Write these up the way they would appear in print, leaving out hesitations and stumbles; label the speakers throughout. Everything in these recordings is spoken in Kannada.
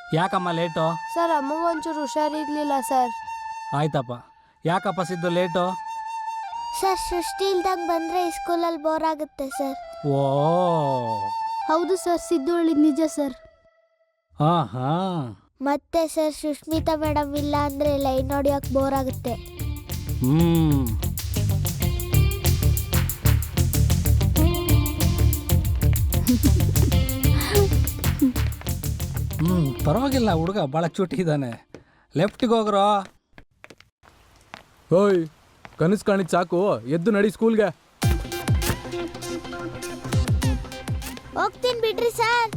Speaker 1: ಯಾಕಮ್ಮ ಲೇಟು?
Speaker 2: ಸರ್ ಅಮ್ಮಗೊಂಚೂರು ಹುಷಾರಿರ್ಲಿಲ್ಲ ಸರ್.
Speaker 1: ಆಯ್ತಪ್ಪ. ಯಾಕಪ್ಪ ಸಿದ್ದು ಲೇಟು?
Speaker 3: ಸರ್ ಸೃಷ್ಟಿ ಇಲ್ದಂಗೆ ಬಂದರೆ ಈ ಸ್ಕೂಲಲ್ಲಿ ಬೋರ್ ಆಗುತ್ತೆ ಸರ್.
Speaker 1: ಓ
Speaker 2: ಹೌದು ಸರ್, ಸಿದ್ದು ಹೇಳಿದ್ ನಿಜ ಸರ್.
Speaker 1: ಹಾಂ ಹಾಂ.
Speaker 3: ಮತ್ತೆ ಸರ್ ಸುಷ್ಮಿತಾ ಮೇಡಮ್ ಇಲ್ಲ ಅಂದರೆ ಲೈನ್ ಹೊಡಿಯೋಕೆ ಬೋರ್ ಆಗುತ್ತೆ.
Speaker 1: ಪರವಾಗಿಲ್ಲ, ಹುಡುಗ ಭಾಳ ಚೂಟಿ ಇದ್ದಾನೆ. ಲೆಫ್ಟಿಗೆ ಹೋಗ್ರೋ.
Speaker 4: ಓಯ್, ಕನಸು ಕಾಣಿದ್ ಸಾಕು, ಎದ್ದು ನಡಿ ಸ್ಕೂಲ್ಗೆ.
Speaker 3: ಹೋಗ್ತೀನಿ ಬಿಡ್ರಿ ಸರ್.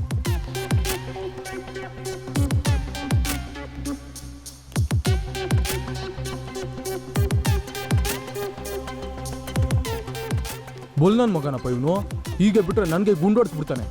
Speaker 4: ಬುಲ್ ನನ್ನ ಮಗನಪ್ಪ ಇವನು. ಹೀಗೆ ಬಿಟ್ರೆ ನನಗೆ ಗುಂಡೋಡ್ಸ್ಬಿಡ್ತಾನೆ.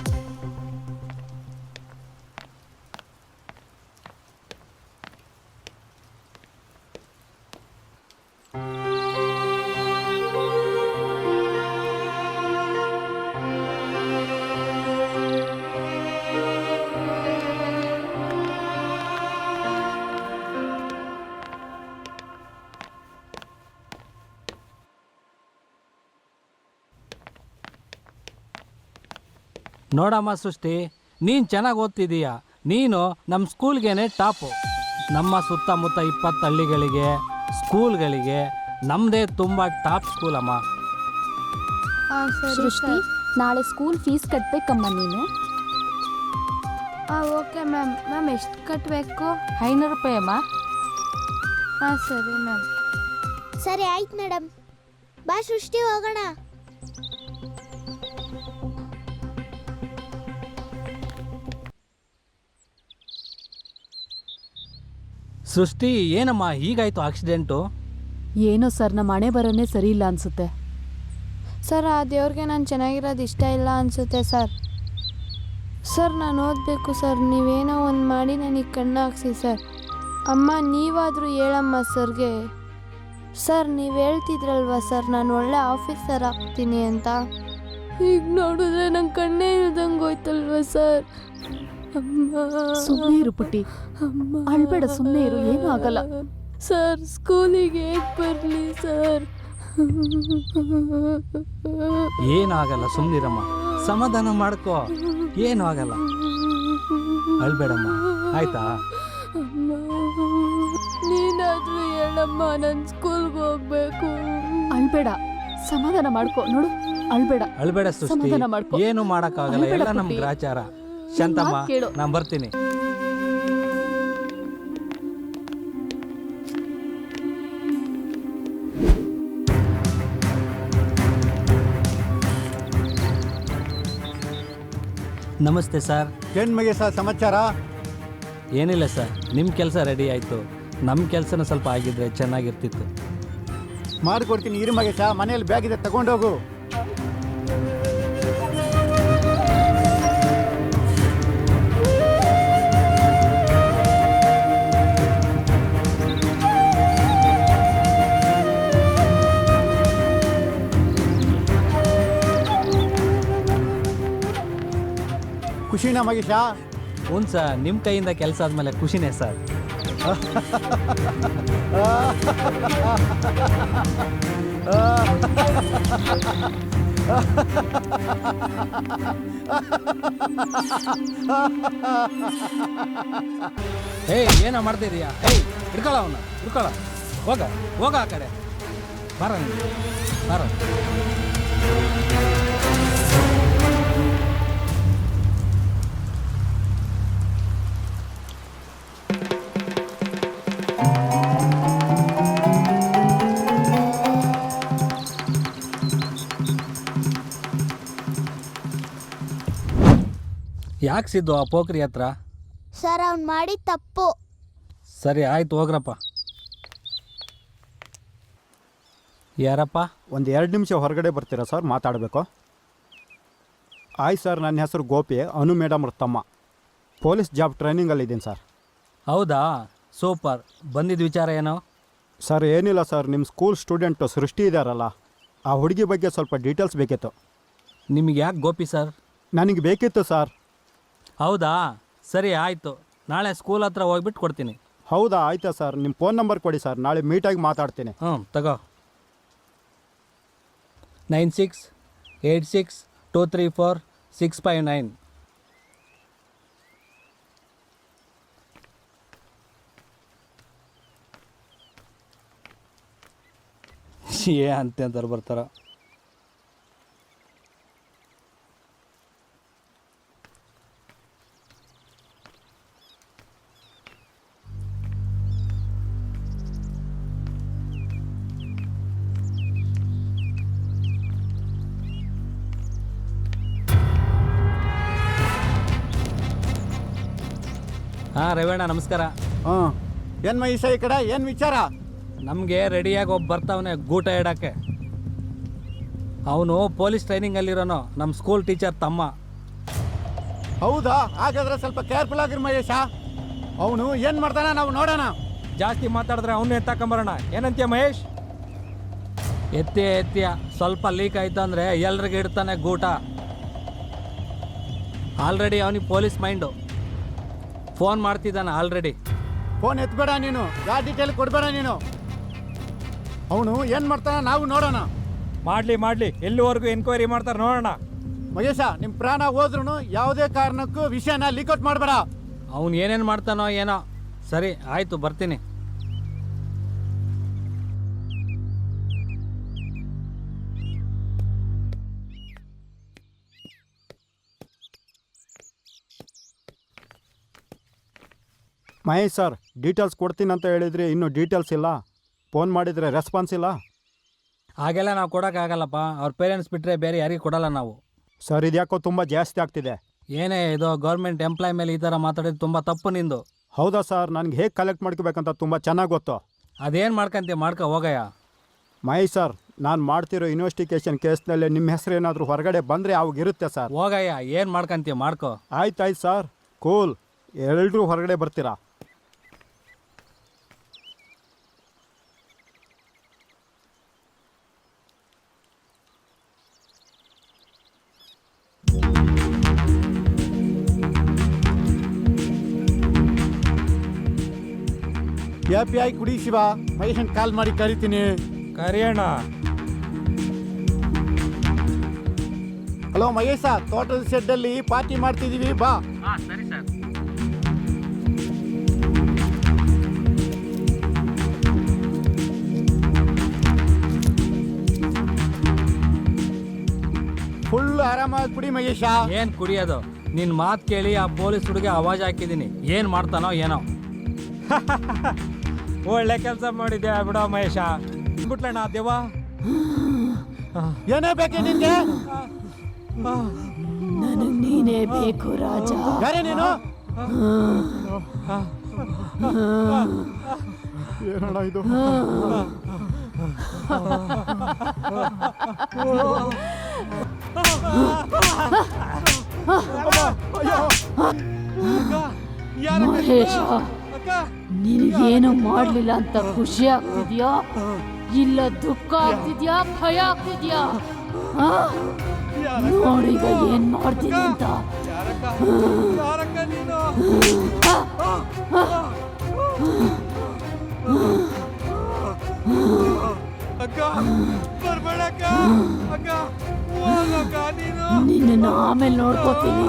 Speaker 1: ನೋಡಮ್ಮ ಸೃಷ್ಟಿ, ನೀನು ಚೆನ್ನಾಗಿ ಓದ್ತಿದ್ದೀಯ. ನೀನು ನಮ್ಮ ಸ್ಕೂಲ್ಗೇನೆ ಟಾಪು. ನಮ್ಮ ಸುತ್ತಮುತ್ತ 20 ಹಳ್ಳಿಗಳಿಗೆ, ಸ್ಕೂಲ್ಗಳಿಗೆ ನಮ್ಮದೇ ತುಂಬ ಟಾಪ್ ಸ್ಕೂಲಮ್ಮ.
Speaker 2: ಹಾಂ ಸರಿ
Speaker 5: ಸೃಷ್ಟಿ, ನಾಳೆ ಸ್ಕೂಲ್ ಫೀಸ್ ಕಟ್ಟಬೇಕಮ್ಮ ನೀನು.
Speaker 2: ಹಾಂ ಓಕೆ ಮ್ಯಾಮ್. ಮ್ಯಾಮ್ ಎಷ್ಟು ಕಟ್ಟಬೇಕು?
Speaker 5: 500 ರೂಪಾಯಿ ಅಮ್ಮ.
Speaker 2: ಹಾಂ ಸರಿ ಮ್ಯಾಮ್.
Speaker 3: ಸರಿ ಆಯ್ತು ಮೇಡಮ್. ಬಾ ಸೃಷ್ಟಿ ಹೋಗೋಣ.
Speaker 1: ಸೃಷ್ಟಿ, ಏನಮ್ಮ ಹೀಗಾಯಿತು ಆಕ್ಸಿಡೆಂಟು?
Speaker 5: ಏನೋ ಸರ್, ನಮ್ಮ ಹಣೆ ಬರನೇ ಸರಿ ಇಲ್ಲ ಅನ್ಸುತ್ತೆ.
Speaker 2: ಸರ್ ಆ ದೇವ್ರಿಗೆ ನಾನು ಚೆನ್ನಾಗಿರೋದು ಇಷ್ಟ ಇಲ್ಲ ಅನಿಸುತ್ತೆ ಸರ್. ಸರ್ ನಾನು ಓದಬೇಕು ಸರ್. ನೀವೇನೋ ಒಂದು ಮಾಡಿ ನನಗೆ ಕಣ್ಣು ಹಾಕ್ಸಿ ಸರ್. ಅಮ್ಮ ನೀವಾದರೂ ಹೇಳಮ್ಮ ಸರ್ಗೆ. ಸರ್ ನೀವು ಹೇಳ್ತಿದ್ರಲ್ವ ಸರ್ ನಾನು ಒಳ್ಳೆ ಆಫೀಸರ್ ಆಗ್ತೀನಿ ಅಂತ. ಈಗ ನೋಡಿದ್ರೆ ನಂಗೆ ಕಣ್ಣೇ ಇಲ್ದಂಗೆ ಹೋಯ್ತಲ್ವ ಸರ್.
Speaker 5: ಸುಮ್ಮನೆ ಇರು ಪುಟ್ಟಿ, ಅಳ್ಬೇಡ, ಸುಮ್ಮನೆ ಇರು, ಏನೂ ಆಗಲ್ಲ.
Speaker 2: ಸರ್ ಸ್ಕೂಲಿಗೆ ಹೇಗೆ ಬರಲಿ ಸರ್?
Speaker 1: ಏನೂ ಆಗಲ್ಲ, ಸುಮ್ಮನಿರಮ್ಮ, ಸಮಾಧಾನ ಮಾಡ್ಕೋ, ಏನೂ ಆಗಲ್ಲ, ಅಳ್ಬೇಡಮ್ಮ, ಆಯ್ತಾ?
Speaker 2: ನೀನಾದ್ರೂ ಹೇಳಮ್ಮ, ನಾನು ಸ್ಕೂಲ್ಗೆ ಹೋಗ್ಬೇಕು.
Speaker 5: ಅಳ್ಬೇಡ, ಸಮಾಧಾನ ಮಾಡ್ಕೋ. ನೋಡು, ಅಳ್ಬೇಡ,
Speaker 1: ಅಳ್ಬೇಡ ಸೃಷ್ಟಿ,
Speaker 5: ಸಮಾಧಾನ ಮಾಡ್ಕೋ.
Speaker 1: ಏನು ಮಾಡೋಕ್ಕಾಗಲ್ಲ, ಎಲ್ಲ ನಮ್ಮ ಗ್ರಾಚಾರ. ಶಾಂತಮ್ಮ, ನಾನು ಬರ್ತೀನಿ. ನಮಸ್ತೆ ಸರ್.
Speaker 6: ಏನು ಮಗೇಶ ಸಮಾಚಾರ?
Speaker 1: ಏನಿಲ್ಲ ಸರ್, ನಿಮ್ಮ ಕೆಲಸ ರೆಡಿ ಆಯಿತು. ನಮ್ಮ ಕೆಲಸನೂ ಸ್ವಲ್ಪ ಆಗಿದ್ರೆ ಚೆನ್ನಾಗಿರ್ತಿತ್ತು.
Speaker 6: ಮಾಡಿಕೊಡ್ತೀನಿ ಇರು ಮಗೇಶ, ಮನೇಲಿ ಬ್ಯಾಗ್ ಇದೆ ತಗೊಂಡೋಗು. ಖುಷಿನಾ ಮಗೇಶ?
Speaker 1: ಹ್ಞೂ ಸರ್, ನಿಮ್ಮ ಕೈಯಿಂದ ಕೆಲಸ ಆದಮೇಲೆ ಖುಷಿನೇ ಸರ್. ಏಯ್, ಏನೋ ಮಾಡ್ತಿದೀಯಾ? ಏಯ್, ಹಿಡ್ಕೊಳ್ಳ ಅವನ್ನ, ಹಿಡ್ಕೊಳ್ಳ, ಹೋಗ ಆ ಕಡೆ, ಬಾರ ಬಾರ. ಯಾಕೆ ಸಿದ್ದು ಆ ಪೋಖ್ರಿ ಹತ್ರ?
Speaker 3: ಸರ್ ಅವ್ನು ಮಾಡಿ ತಪ್ಪು.
Speaker 1: ಸರಿ ಆಯ್ತು, ಹೋಗ್ರಪ್ಪ. ಯಾರಪ್ಪ?
Speaker 6: ಒಂದು 2 ನಿಮಿಷ ಹೊರಗಡೆ ಬರ್ತೀರಾ ಸರ್, ಮಾತಾಡಬೇಕು. ಆಯ್ತು ಸರ್, ನನ್ನ ಹೆಸರು ಗೋಪಿ, ಅನು ಮೇಡಮ್ ಅವ್ರ ತಮ್ಮ. ಪೊಲೀಸ್ ಜಾಬ್ ಟ್ರೈನಿಂಗಲ್ಲಿದ್ದೀನಿ ಸರ್.
Speaker 1: ಹೌದಾ, ಸೂಪರ್. ಬಂದಿದ್ದ ವಿಚಾರ ಏನೋ?
Speaker 6: ಸರ್ ಏನಿಲ್ಲ ಸರ್, ನಿಮ್ಮ ಸ್ಕೂಲ್ ಸ್ಟೂಡೆಂಟು ಸೃಷ್ಟಿ ಇದ್ದಾರಲ್ಲ, ಆ ಹುಡುಗಿ ಬಗ್ಗೆ ಸ್ವಲ್ಪ ಡೀಟೇಲ್ಸ್ ಬೇಕಿತ್ತು.
Speaker 1: ನಿಮಗೆ ಯಾಕೆ ಗೋಪಿ ಸರ್?
Speaker 6: ನನಗೆ ಬೇಕಿತ್ತು ಸರ್.
Speaker 1: ಹೌದಾ, ಸರಿ ಆಯಿತು. ನಾಳೆ ಸ್ಕೂಲ್ ಹತ್ರ ಹೋಗ್ಬಿಟ್ಟು ಕೊಡ್ತೀನಿ.
Speaker 6: ಹೌದಾ, ಆಯ್ತಾ ಸರ್. ನಿಮ್ಮ ಫೋನ್ ನಂಬರ್ ಕೊಡಿ ಸರ್, ನಾಳೆ ಮೀಟಾಗಿ ಮಾತಾಡ್ತೀನಿ.
Speaker 1: ತಗೋ. 9686234659. ಅಂತಾರೆ ಬರ್ತಾರ. ರವೀಣ ನಮಸ್ಕಾರ.
Speaker 6: ಹಾಂ, ಏನು ಮಹೇಶ ಈ ಕಡೆ ಏನು ವಿಚಾರ?
Speaker 1: ನಮಗೆ ರೆಡಿಯಾಗಿ ಒಬ್ಬ ಬರ್ತಾವನೆ ಗೂಟ ಇಡಕ್ಕೆ. ಅವನು ಪೊಲೀಸ್ ಟ್ರೈನಿಂಗಲ್ಲಿರೋನು, ನಮ್ಮ ಸ್ಕೂಲ್ ಟೀಚರ್ ತಮ್ಮ.
Speaker 6: ಹೌದಾ? ಹಾಗಾದ್ರೆ ಸ್ವಲ್ಪ ಕೇರ್ಫುಲ್ ಆಗಿರಿ ಮಹೇಶ. ಅವನು ಏನು ಮಾಡ್ತಾನೆ ನಾವು ನೋಡೋಣ.
Speaker 4: ಜಾಸ್ತಿ ಮಾತಾಡಿದ್ರೆ ಅವನು ಎತ್ತಾಕೊಂಬರೋಣ. ಏನಂತೀಯ ಮಹೇಶ್?
Speaker 1: ಎತ್ತಿಯ ಸ್ವಲ್ಪ ಲೀಕ್ ಆಯ್ತು ಅಂದರೆ ಎಲ್ರಿಗೂ ಇಡ್ತಾನೆ ಗೂಟ. ಆಲ್ರೆಡಿ ಅವನಿಗೆ ಪೊಲೀಸ್ ಮೈಂಡು. ಫೋನ್ ಮಾಡ್ತಿದ್ದಾನೆ ಆಲ್ರೆಡಿ.
Speaker 6: ಫೋನ್ ಎತ್ತಬೇಡ ನೀನು, ಯಾವ ಡೀಟೇಲ್ ಕೊಡಬೇಡ ನೀನು. ಅವನು ಏನು ಮಾಡ್ತಾನೆ ನಾವು ನೋಡೋಣ.
Speaker 4: ಮಾಡಲಿ ಎಲ್ಲಿವರೆಗೂ ಎನ್ಕ್ವೈರಿ ಮಾಡ್ತಾರೆ ನೋಡೋಣ.
Speaker 6: ಮಹೇಶ, ನಿಮ್ಮ ಪ್ರಾಣ ಹೋದ್ರೂ ಯಾವುದೇ ಕಾರಣಕ್ಕೂ ವಿಷಯನ ಲೀಕ್ಔಟ್ ಮಾಡಬೇಡ.
Speaker 1: ಅವನು ಏನೇನು ಮಾಡ್ತಾನೋ ಏನೋ. ಸರಿ ಆಯಿತು, ಬರ್ತೀನಿ.
Speaker 6: ಮಹೇಶ್ ಸರ್, ಡೀಟೇಲ್ಸ್ ಕೊಡ್ತೀನಿ ಅಂತ ಹೇಳಿದ್ರಿ, ಇನ್ನೂ ಡೀಟೇಲ್ಸ್ ಇಲ್ಲ. ಫೋನ್ ಮಾಡಿದರೆ ರೆಸ್ಪಾನ್ಸ್ ಇಲ್ಲ.
Speaker 1: ಹಾಗೆಲ್ಲ ನಾವು ಕೊಡೋಕ್ಕಾಗಲ್ಲಪ್ಪ. ಅವ್ರ ಪೇರೆಂಟ್ಸ್ ಬಿಟ್ಟರೆ ಬೇರೆ ಯಾರಿಗೂ ಕೊಡಲ್ಲ ನಾವು.
Speaker 6: ಸರ್, ಇದ್ಯಾಕೋ ತುಂಬ ಜಾಸ್ತಿ ಆಗ್ತಿದೆ.
Speaker 1: ಏನೇ ಇದು, ಗೌರ್ಮೆಂಟ್ ಎಂಪ್ಲಾಯ್ ಮೇಲೆ ಈ ಥರ ಮಾತಾಡಿದ್ದು ತುಂಬ ತಪ್ಪು ನಿಂದು.
Speaker 6: ಹೌದಾ ಸರ್? ನನಗೆ ಹೇಗೆ ಕಲೆಕ್ಟ್ ಮಾಡ್ಕೋಬೇಕಂತ ತುಂಬ ಚೆನ್ನಾಗಿ ಗೊತ್ತು.
Speaker 1: ಅದೇನು ಮಾಡ್ಕೊ ಹೋಗಯ್ಯ.
Speaker 6: ಮಹೇಶ್ ಸರ್, ನಾನು ಮಾಡ್ತಿರೋ ಇನ್ವೆಸ್ಟಿಗೇಷನ್ ಕೇಸ್ನಲ್ಲಿ ನಿಮ್ಮ ಹೆಸರು ಏನಾದರೂ ಹೊರಗಡೆ ಬಂದರೆ ಅವಾಗಿರುತ್ತೆ ಸರ್.
Speaker 1: ಹೋಗಯ್ಯ, ಏನು ಮಾಡ್ಕೊ.
Speaker 6: ಆಯ್ತು ಸರ್, ಕೂಲ್. ಎಲ್ಲರೂ ಹೊರಗಡೆ ಬರ್ತೀರಾ? API ಕುಡಿ ಶಿವ. ಮಹೇಶನ್ ಕಾಲ್ ಮಾಡಿ ಕರಿತೀನಿ.
Speaker 4: ಕರಿಯೋಣ.
Speaker 6: ಹಲೋ ಮಹೇಶ, ತೋಟದ ಶೆಡ್ಡಲ್ಲಿ ಪಾರ್ಟಿ ಮಾಡ್ತಿದ್ದೀವಿ, ಬಾ.
Speaker 1: ಸರಿ ಸರ್.
Speaker 6: ಫುಲ್ ಆರಾಮಾಗಿ ಕುಡಿ ಮಹೇಶ.
Speaker 1: ಏನು ಕುಡಿಯೋದು? ನಿನ್ನ ಮಾತು ಕೇಳಿ ಆ ಪೊಲೀಸ್ ಹುಡುಗಿ ಆವಾಜ್ ಹಾಕಿದ್ದೀನಿ. ಏನು ಮಾಡ್ತಾನೋ ಏನೋ.
Speaker 4: ಒಳ್ಳೆ ಕೆಲಸ ಮಾಡಿದ್ಯಾ ಬಿಡೋ ಮಹೇಶ. ಬಿಟ್ಲಣ್ಣ ದೇವ.
Speaker 6: ಏನೇ ಬೇಕೆ ನಿನ್ಗೆ?
Speaker 5: ನನಗೆ ನೀನೇ ಬೇಕು ರಾಜ.
Speaker 6: ಯಾರೇ ನೀನು? ಏನಣ್ಣ ಇದು?
Speaker 5: ಮಹೇಶ, ನಿನಗೇನು ಮಾಡ್ಲಿಲ್ಲ ಅಂತ ಖುಷಿ ಆಗ್ತಿದ್ಯಾ, ಇಲ್ಲ ದುಃಖ ಆಗ್ತಿದ್ಯಾ, ಭಯ ಆಗ್ತಿದ್ಯಾ? ನೋಡೀಗ ಏನ್ ಮಾಡ್ತೀನಿ ಅಂತ. ನಿನ್ನ ಆಮೇಲೆ ನೋಡ್ಕೋತೀನಿ.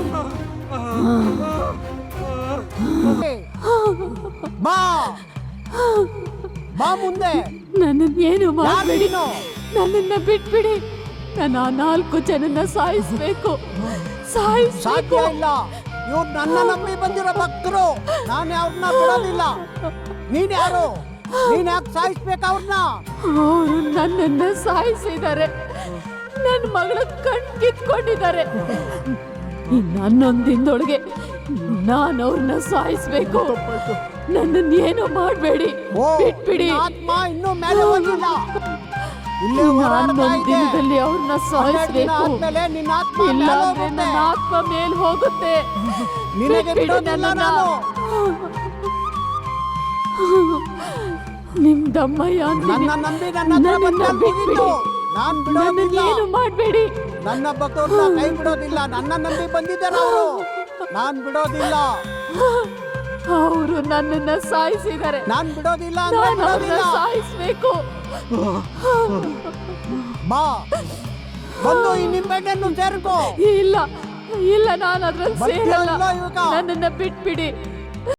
Speaker 6: ಮುಂದೆ
Speaker 5: ನನ್ನನ್ನೇನು ಮಾಡಬೇಡಿ, ನನ್ನನ್ನ ಬಿಟ್ಬಿಡಿ. ನಾನು ಆ 4 ಜನನ್ನ ಸಾಯಿಸ್ಬೇಕು.
Speaker 6: ಸಾಧ್ಯ ಇಲ್ಲ. ಇವ್ರು ನನ್ನ ನಂಬಿ ಬಂದಿರೋ ಭಕ್ತರು. ನಾನು ಅವ್ರನ್ನ ಬಿಡೋದಿಲ್ಲ. ನೀನ್ ಯಾರು? ನೀನ್ ಯಾಕೆ ಸಾಯಿಸ್ಬೇಕು ಅವ್ರನ್ನ?
Speaker 5: ಅವರು ನನ್ನನ್ನ ಸಾಯಿಸಿದ್ದಾರೆ. ನನ್ನ ಮಗಳ ಕಣ್ ಕಿತ್ಕೊಂಡಿದ್ದಾರೆ. ಇನ್ನೊಂದು ದಿನದೊಳಗೆ ನಾನು ಅವ್ರನ್ನ ಸಾಯಿಸ್ಬೇಕು. ನನ್ನನ್ನೇನು ಮಾಡಬೇಡಿ, ಬಿಟ್ಬಿಡಿ.
Speaker 6: ಆತ್ಮ ಇನ್ನೂ ಮೇಲೆ ಹೋಗಿಲ್ಲ.
Speaker 5: ಇನ್ನೊಂದು ದಿನದಲ್ಲಿ ಅವ್ರನ್ನ ಸಾಯಿಸ್ಬೇಕು. ಇಲ್ಲ ಅಂದ್ರೆ ನನ್ನ ಆತ್ಮ ಮೇಲ್ ಹೋಗುತ್ತೆ. ಬಿಟ್ಬಿಡಿ ನನ್ನನ್ನ. ನಿಮ್ದಮ್ಮಯ್ಯ ನನ್ನನ್ನ ಬಿಟ್ಬಿಡಿ. ನನ್ನನ್ನೇನು ಮಾಡಬೇಡಿ.
Speaker 6: ನನ್ನ ಭಕ್ತರನ್ನ ಕೈ ಬಿಡೋದಿಲ್ಲ. ನನ್ನ ನಂಬಿ ಬಂದಿದ್ದಾರೆ ಅವರು. ನಾನ್ ಬಿಡೋದಿಲ್ಲ.
Speaker 5: ಅವರು ನನ್ನನ್ನ ಸಾಯಿಸಿದ್ದಾರೆ.
Speaker 6: ನಾನ್ ಬಿಡೋದಿಲ್ಲ ಅಂದ್ರೆ
Speaker 5: ನಾನು ಅವ್ರನ್ನ
Speaker 6: ಬಿಡೋದಿಲ್ಲ.
Speaker 5: ಸಾಯಿಸ್ಬೇಕು.
Speaker 6: ಬಾ, ಬಂದು ಈ ನಿಂಬೆಹಣ್ಣನ್ನು ಸೇರ್ಕೋ.
Speaker 5: ಇಲ್ಲ ಇಲ್ಲ, ನಾನು ಅದ್ರಲ್ಲಿ
Speaker 6: ಬರ್ತೀಯಾ
Speaker 5: ಸೇರಲ್ಲ.
Speaker 6: ಇಲ್ವಾ ಇವಾಗ?
Speaker 5: ನನ್ನನ್ನ ಬಿಟ್ಬಿಡಿ.